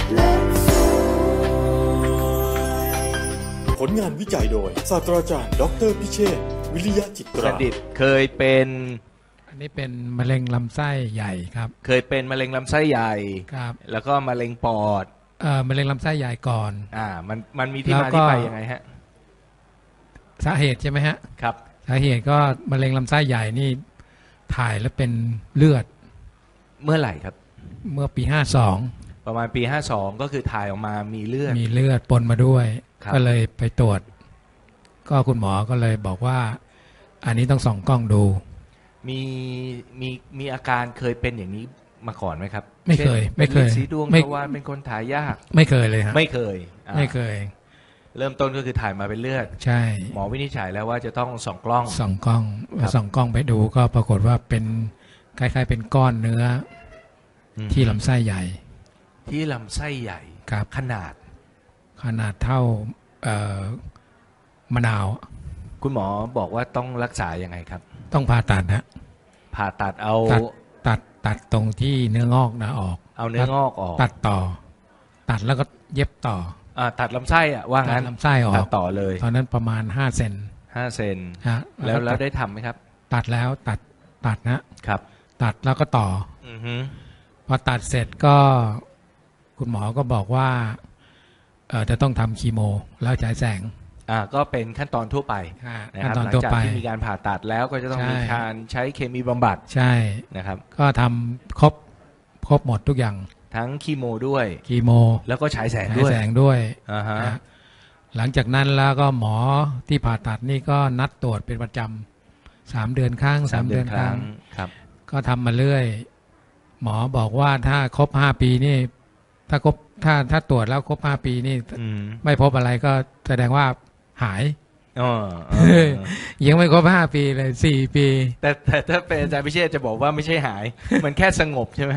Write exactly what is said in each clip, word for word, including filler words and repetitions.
ผลงานวิจัยโดยศาสตราจารย์ดรพิเชษฐ์วิริยะจิตราดิษฐ์เคยเป็นอันนี้เป็นมะเร็งลำไส้ใหญ่ครับเคยเป็นมะเร็งลำไส้ใหญ่ครับแล้วก็มะเร็งปอดเอ่อมะเร็งลำไส้ใหญ่ก่อนอ่ามันมันมีที่มาที่ไปยังไงฮะสาเหตุใช่ไหมฮะครับสาเหตุก็มะเร็งลำไส้ใหญ่นี่ถ่ายแล้วเป็นเลือดเมื่อไหร่ครับเมื่อปีห้าสองประมาณปีห้าสองก็คือถ่ายออกมามีเลือดมีเลือดปนมาด้วยก็เลยไปตรวจก็คุณหมอก็เลยบอกว่าอันนี้ต้องส่องกล้องดูมีมีมีอาการเคยเป็นอย่างนี้มาก่อนไหมครับไม่เคยไม่เคยสีดวงทวารเป็นคนถ่ายยากไม่เคยเลยครับไม่เคยไม่เคยเริ่มต้นก็คือถ่ายมาเป็นเลือดใช่หมอวินิจฉัยแล้วว่าจะต้องส่องกล้องส่องกล้องส่องกล้องไปดูก็ปรากฏว่าเป็นคล้ายๆเป็นก้อนเนื้อที่ลำไส้ใหญ่ที่ลำไส้ใหญ่ครับขนาดขนาดเท่าเอ่อมะนาวคุณหมอบอกว่าต้องรักษายังไงครับต้องผ่าตัดฮะผ่าตัดเอาตัดตัดตรงที่เนื้องอกนะออกเอาเนื้องอกออกตัดต่อตัดแล้วก็เย็บต่ออ่าตัดลำไส้อ่ะว่างั้นลำไส้ออกตัดต่อเลยตอนนั้นประมาณห้าเซนห้าเซนฮะแล้วแล้วได้ทำไหมครับตัดแล้วตัดตัดนะครับตัดแล้วก็ต่ออือฮึพอตัดเสร็จก็คุณหมอก็บอกว่าเอ่อจะต้องทำคีโมแล้วฉายแสงอ่าก็เป็นขั้นตอนทั่วไปนะครับหลังจากที่มีการผ่าตัดแล้วก็จะต้องมีการใช้เคมีบำบัดใช่นะครับก็ทำครบครบหมดทุกอย่างทั้งคีโมด้วยคีโมแล้วก็ฉายแสงด้วยฉายแสงด้วยอ่าฮะหลังจากนั้นแล้วก็หมอที่ผ่าตัดนี่ก็นัดตรวจเป็นประจำสามเดือนครั้งสามเดือนครั้งครับก็ทำมาเรื่อยหมอบอกว่าถ้าครบห้าปีนี่ถ้าครบถ้าถ้าตรวจแล้วครบห้าปีนี่ไม่พบอะไรก็แสดงว่าหายอ๋อยังไม่ครบห้าปีเลยสี่ปีแต่แต่ถ้าเป็นอาจารย์พิเชษจะบอกว่าไม่ใช่หายมันแค่สงบใช่ไหม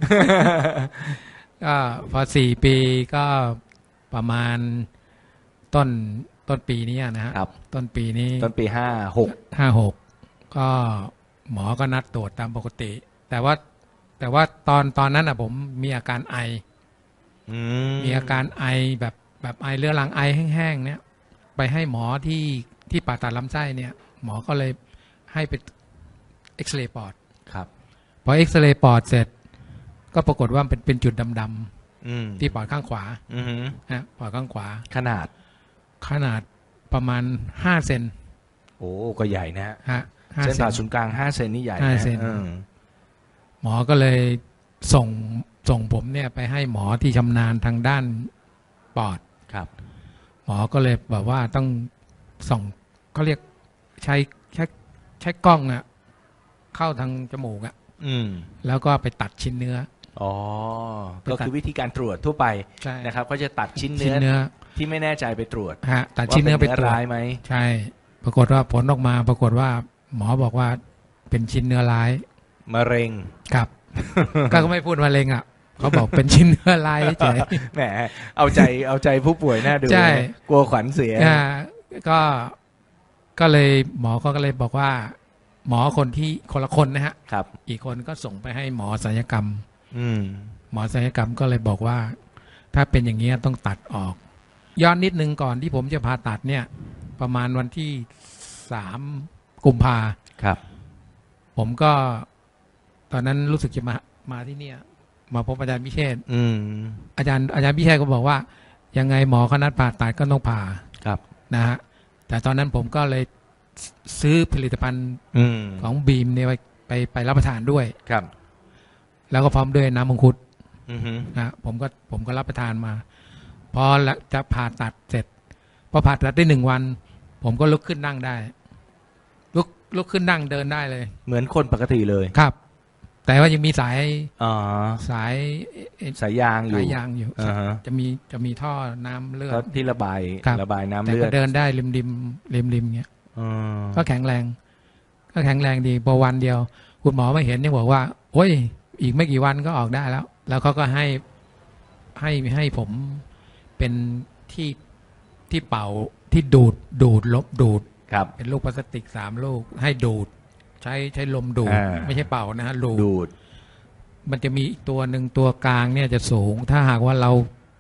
ก็พอสี่ปีก็ประมาณต้นต้นปีนี้นะครับต้นปีนี้ต้นปีห้าหกห้าหกก็หมอก็นัดตรวจตามปกติแต่ว่าแต่ว่าตอนตอนนั้นอ่ะผมมีอาการไอมีอาการไอแบบแบบไอเรื้อรังไอแห้งๆเนี่ยไปให้หมอที่ที่ผ่าตัดลำไส้เนี่ยหมอก็เลยให้ไปเอ็กซเรย์ปอดครับพอเอ็กซเรย์ปอดเสร็จก็ปรากฏว่าเป็นเป็นจุดดำๆที่ปอดข้างขวานะปอดข้างขวาขนาดขนาดประมาณห้าเซนโอ้ก็ใหญ่นะฮะเส้นผ่าศูนย์กลางห้าเซนนี่ใหญ่ห้าเซนหมอก็เลยส่งส่งผมเนี่ยไปให้หมอที่ชำนาญทางด้านปอดครับหมอก็เลยบอกว่าต้องส่องเขาเรียกใช้ใช้ใช้กล้องอะเข้าทางจมูกอะแล้วก็ไปตัดชิ้นเนื้ออ๋อก็คือวิธีการตรวจทั่วไปนะครับก็จะตัดชิ้นเนื้อที่ไม่แน่ใจไปตรวจฮะตัดชิ้นเนื้อไปตรวจร้ายไหมใช่ปรากฏว่าผลออกมาปรากฏว่าหมอบอกว่าเป็นชิ้นเนื้อร้ายมะเร็งครับก็ไม่พูดมะเร็งอ่ะเขาบอกเป็นชิ้นเนื้อร้ายเฉยแหมเอาใจเอาใจผู้ป่วยน่าดูกลัวขวัญเสียก็ก็เลยหมอก็เลยบอกว่าหมอคนที่คนละคนนะฮะครับอีกคนก็ส่งไปให้หมอศัลยกรรมอืมหมอศัลยกรรมก็เลยบอกว่าถ้าเป็นอย่างนี้ต้องตัดออกย้อนนิดนึงก่อนที่ผมจะผ่าตัดเนี่ยประมาณวันที่สามกุมภาครับผมก็ตอนนั้นรู้สึกจะมามาที่เนี่ยมาพบอาจารย์พิเชษฐ์อาจารย์อาจารย์พิเชษฐ์ก็บอกว่ายังไงหมอเขานัดผ่าตัดก็ต้องผ่าครับนะฮะแต่ตอนนั้นผมก็เลยซื้อผลิตภัณฑ์ของบีมเนี่ยไปไปไปรับประทานด้วยครับแล้วก็พร้อมด้วยน้ำมังคุดนะผมก็ผมก็รับประทานมาพอจะผ่าตัดเสร็จพอผ่าตัดได้หนึ่งวันผมก็ลุกขึ้นนั่งได้ลุกลุกขึ้นนั่งเดินได้เลยเหมือนคนปกติเลยครับแต่ว่ายังมีสายสายสายยางอยู่สายยางอยู่จะมีจะมีท่อน้ำเลือดที่ระบายระบายน้ำเลือดแต่ก็เดินได้ริมริมริมริมเงี้ยก็แข็งแรงก็แข็งแรงดีพอวันเดียวคุณหมอมาเห็นเนี่ยบอกว่าโอ้ยอีกไม่กี่วันก็ออกได้แล้วแล้วเขาก็ให้ให้ให้ผมเป็นที่ที่เป่าที่ดูดดูดลบดูดเป็นลูกพลาสติกสามลูกให้ดูดใช้ใช้ลมดูดไม่ใช่เป่านะฮะดูดมันจะมีอีกตัวหนึ่งตัวกลางเนี่ยจะสูงถ้าหากว่าเรา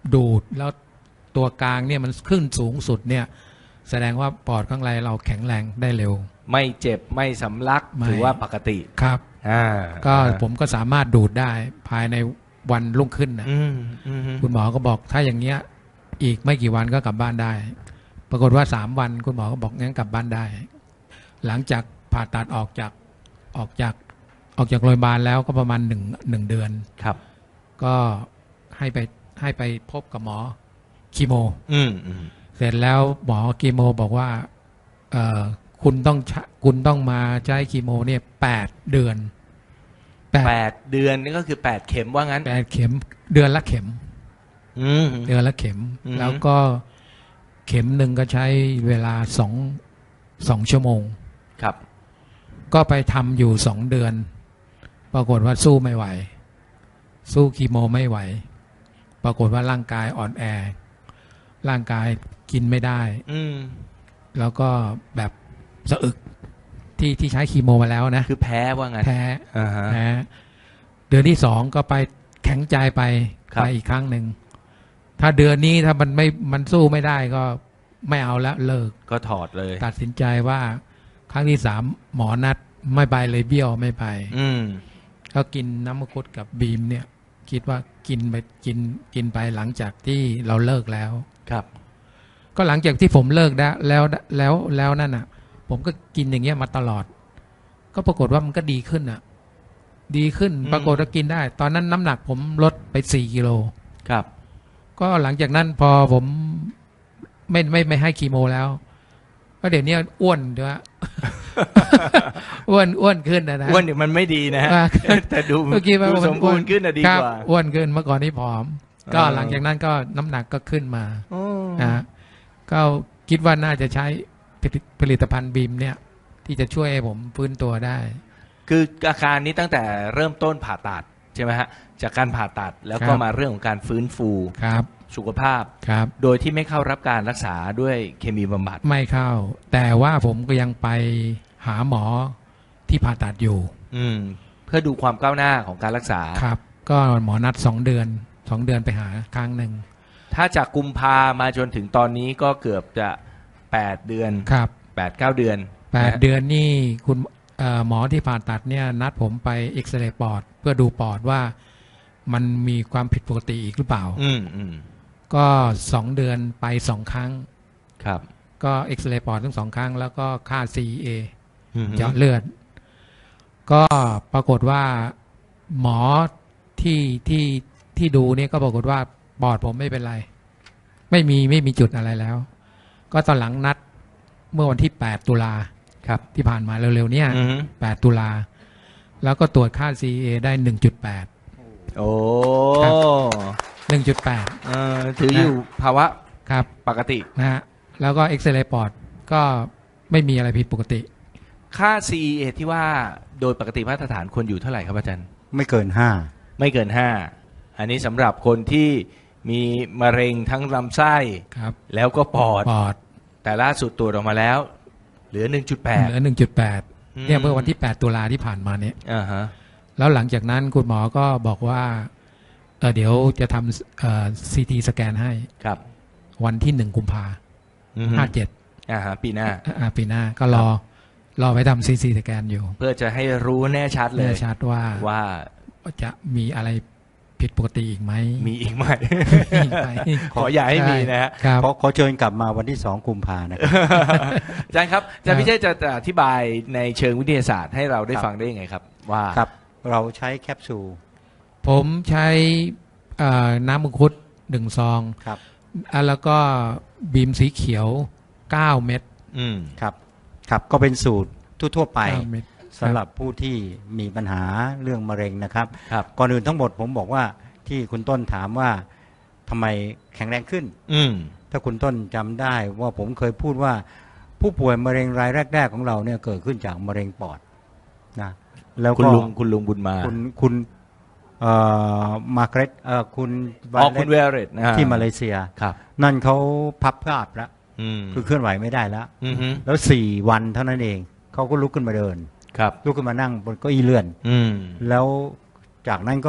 ดูดแล้วตัวกลางเนี่ยมันขึ้นสูงสุดเนี่ยแสดงว่าปอดข้างในเราแข็งแรงได้เร็วไม่เจ็บไม่สำลักถือว่าปกติครับก็ผมก็สามารถดูดได้ภายในวันรุ่งขึ้นนะคุณหมอก็บอกถ้าอย่างเงี้ยอีกไม่กี่วันก็กลับบ้านได้ปรากฏว่าสามวันคุณหมอก็บอกงั้นกลับบ้านได้หลังจากผ่าตัดออกจากออกจากออกจากโรงพยาบาลแล้วก็ประมาณหนึ่งหนึ่งเดือนครับก็ให้ไปให้ไปพบกับหมอคีโมอืมเสร็จแล้วหมอคีโมบอกว่าเอ่อคุณต้องคุณต้องมาใช้คีโมเนี่ยแปดเดือนแปดเดือนนี่ก็คือแปดเข็มว่างั้นแปดเข็มเดือนละเข็มเดือนละเข็มแล้วก็เข็มหนึ่งก็ใช้เวลาสองสองชั่วโมงครับก็ไปทำอยู่สองเดือนปรากฏว่าสู้ไม่ไหวสู้คีโมไม่ไหวปรากฏว่าร่างกายอ่อนแอร่างกายกินไม่ได้แล้วก็แบบสะอึกที่ที่ใช้คีโมมาแล้วนะคือแพ้ว่างั้นแพ้แพ้เดือนที่สองก็ไปแข็งใจไปไปอีกครั้งหนึ่งถ้าเดือนนี้ถ้ามันไม่มันสู้ไม่ได้ก็ไม่เอาแล้วเลิกก็ถอดเลยตัดสินใจว่าครั้งที่สามหมอนัดไม่ไปเลยเบี้ยวไม่ไปก็กินน้ำมังคุดกับบีมเนี่ยคิดว่ากินไปกินกินไปหลังจากที่เราเลิกแล้วครับก็หลังจากที่ผมเลิกได้แล้วแล้วแล้วนั่นอ่ะผมก็กินอย่างเงี้ยมาตลอดก็ปรากฏว่ามันก็ดีขึ้นอ่ะดีขึ้นปรากฏว่ากินได้ตอนนั้นน้ำหนักผมลดไปสี่กิโลครับก็หลังจากนั้นพอผมไม่ไม่ไม่ให้คีโมแล้วก็เดี๋ยวนี้อ้วนด้วยอ้วนอ้วนขึ้นนะนะอ้วนเดี๋ยวมันไม่ดีนะแต่ดูดูสมบูรณ์ขึ้นอะดีกว่าอ้วนขึ้นเมื่อก่อนนี้ผอมก็หลังจากนั้นก็น้ำหนักก็ขึ้นมานะก็คิดว่าน่าจะใช้ผลิตภัณฑ์บีมเนี่ยที่จะช่วยให้ผมฟื้นตัวได้คืออาการนี้ตั้งแต่เริ่มต้นผ่าตัดใช่ไหมฮะจากการผ่าตัดแล้วก็มาเรื่องของการฟื้นฟูสุขภาพโดยที่ไม่เข้ารับการรักษาด้วยเคมีบำบัดไม่เข้าแต่ว่าผมก็ยังไปหาหมอที่ผ่าตัดอยู่อืมเพื่อดูความก้าวหน้าของการรักษาครับก็หมอนัดสองเดือนสองเดือนไปหาครั้งหนึ่งถ้าจากกุมภามาจนถึงตอนนี้ก็เกือบจะแปดเดือนครับแปดเก้าเดือนแปดเดือนนี่คุณหมอที่ผ่าตัดเนี่ยนัดผมไปเอ็กซเรย์ปอดเพื่อดูปอดว่ามันมีความผิดปกติอีกหรือเปล่าอืมอืมก็สองเดือนไปสองครั้งครับก็เอ็กซเรย์ปอดทั้งสองครั้งแล้วก็ค่า ซี เอ เจาะเลือดก็ปรากฏว่าหมอที่ที่ที่ดูเนี่ยก็ปรากฏว่าปอดผมไม่เป็นไรไม่มีไม่มีจุดอะไรแล้วก็ตอนหลังนัดเมื่อวันที่แปดตุลาครับที่ผ่านมาเร็วๆเนี่ยแปดตุลาแล้วก็ตรวจค่า ซี เอ ได้ หนึ่งจุดแปดโอ้หนึ่งจุดแปดเอ่อถืออยู่ภาวะครับปกตินะฮะแล้วก็เอ็กซเรย์ปอดก็ไม่มีอะไรผิดปกติค่า ซี เอ ที่ว่าโดยปกติมาตรฐานควรอยู่เท่าไหร่ครับอาจารย์ไม่เกินห้าไม่เกินห้าอันนี้สำหรับคนที่มีมะเร็งทั้งลำไส้แล้วก็ปอดปอดแต่ล่าสุดตรวจออกมาแล้วเหลือ หนึ่งจุดแปดเหลือ หนึ่งจุดแปด เนี่ยเมื่อวันที่แปดตุลาที่ผ่านมาเนี่ยอ่าฮะแล้วหลังจากนั้นคุณหมอก็บอกว่าเออเดี๋ยวจะทำเอ่อ ซี ที สแกนให้ครับวันที่หนึ่งกุมภาห้าเจ็ดอ่าฮะปีหน้าอ่าปีหน้าก็รอรอไปทำ ซี ที สแกนอยู่เพื่อจะให้รู้แน่ชัดเลยแน่ชัดว่าว่าจะมีอะไรผิดปกติอีกไหมมีอีกไหมขออย่าให้มีนะฮะขอขอเชิญกลับมาวันที่สองกุมภานะครับอาจารย์ครับอาจารย์พิเชษจะอธิบายในเชิงวิทยาศาสตร์ให้เราได้ฟังได้ยังไงครับว่าครับเราใช้แคปซูลผมใช้น้ำมังคุดหนึ่งซองครับแล้วก็บีมสีเขียวเก้าเม็ดอืมครับครับก็เป็นสูตรทั่วๆไปสำหรับผู้ที่มีปัญหาเรื่องมะเร็งนะครับก่อนอื่นทั้งหมดผมบอกว่าที่คุณต้นถามว่าทำไมแข็งแรงขึ้นถ้าคุณต้นจำได้ว่าผมเคยพูดว่าผู้ป่วยมะเร็งรายแรกๆของเราเนี่ยเกิดขึ้นจากมะเร็งปอดนะแล้วคุณลุงคุณลุงบุญมาคุณคุณมาเกรตคุณอ๋อคุณเวเรตที่มาเลเซียนั่นเขาพับภาพแล้วคือเคลื่อนไหวไม่ได้แล้วแล้วสี่วันเท่านั้นเองเขาก็ลุกขึ้นมาเดินลุกขึ้นมานั่งบนเก้าอี้เลื่อนแล้วจากนั้นก็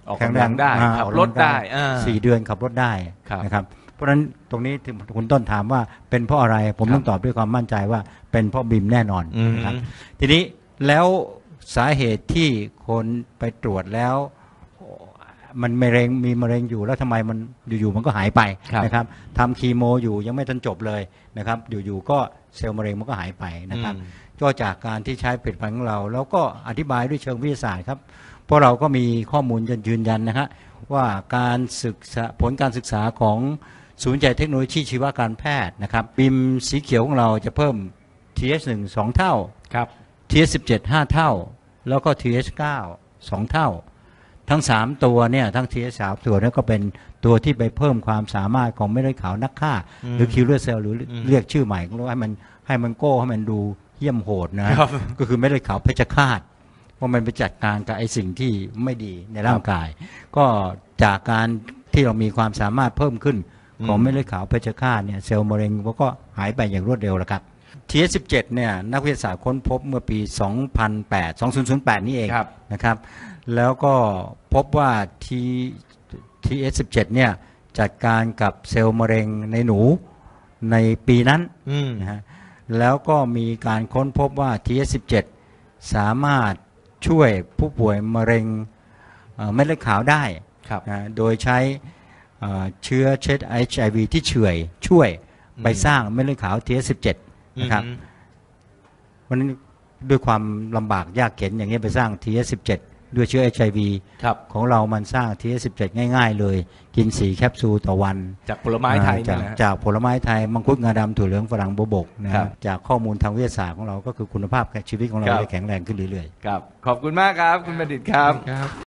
ออกกำลังได้ขับรถได้สี่เดือนขับรถได้นะครับเพราะฉะนั้นตรงนี้คุณต้นถามว่าเป็นเพราะอะไรผมต้องตอบด้วยความมั่นใจว่าเป็นเพราะบิมแน่นอนนะครับทีนี้แล้วสาเหตุที่คนไปตรวจแล้วมันมะเร็งมีมะเร็งอยู่แล้วทำไมมันอยู่ๆมันก็หายไปนะครับทำคีโมอยู่ยังไม่ทันจบเลยนะครับอยู่ๆก็เซลล์มะเร็งมันก็หายไปนะครับก็จากการที่ใช้ผลิตภัณฑ์ของเราแล้วก็อธิบายด้วยเชิงวิทยาศาสตร์ครับเพราะเราก็มีข้อมูลยืนยันนะฮะว่าการศึกษาผลการศึกษาของศูนย์วิจัยเทคโนโลยีชีวการแพทย์นะครับบิมสีเขียวของเราจะเพิ่ม ที เอช หนึ่ง สองเท่าครับ ที เอช สิบเจ็ด ห้าเท่าแล้วก็ ที เอช เก้า สองเท่าทั้งสามตัวเนี่ยทั้ง ที เอช สามตัวนี้ก็เป็นตัวที่ไปเพิ่มความสามารถของเม็ดเลือดขาวนักฆ่าหรือคิลเลอร์เซลล์หรือเรียกชื่อใหม่ของเราให้มันให้มันโก้ให้มันดูเยี่ยมโหดนะก็คือเม็ดเลือดขาวเพชฌฆาตว่ามันไปจัดการกับไอ้สิ่งที่ไม่ดีในร่างกายก็จากการที่เรามีความสามารถเพิ่มขึ้นของเม็ดเลือดขาวเพชฌฆาตเนี่ยเซลล์มะเร็งก็หายไปอย่างรวดเร็วแล้วครับ ที เอช สิบเจ็ดเนี่ยนักวิทยาศาสตร์ค้นพบเมื่อปีสองพันแปด สองพันแปดนี่เองนะครับแล้วก็พบว่า ที เอช สิบเจ็ดเนี่ยจัดการกับเซลล์มะเร็งในหนูในปีนั้นนะฮะแล้วก็มีการค้นพบว่า ที เอช สิบเจ็ดสามารถช่วยผู้ป่วยมะเร็งเม็ดเลือดขาวได้นะโดยใช้เชื้อเชื้อ เอช ไอ วี ที่เฉื่อยช่วยไปสร้างเม็ดเลือดขาว ที เอช สิบเจ็ดนะครับเพราะฉะนั้นด้วยความลำบากยากเข็ญอย่างนี้ไปสร้าง ที เอช สิบเจ็ดด้วยเชื้อ เอช ไอ วี ของเรามันสร้าง ที เอช สิบเจ็ดง่ายๆเลยกินสี่แคปซูลต่อวันจากผลไม้ไทยจากจากผลไม้ไทยมังคุดงาดำถั่วเหลืองฝรั่งโบวบกนะจากข้อมูลทางวิทยาศาสตร์ของเราก็คือคุณภาพชีวิตของเราได้แข็งแรงขึ้นเรื่อยๆครับขอบคุณมากครับคุณบัณฑิตครับ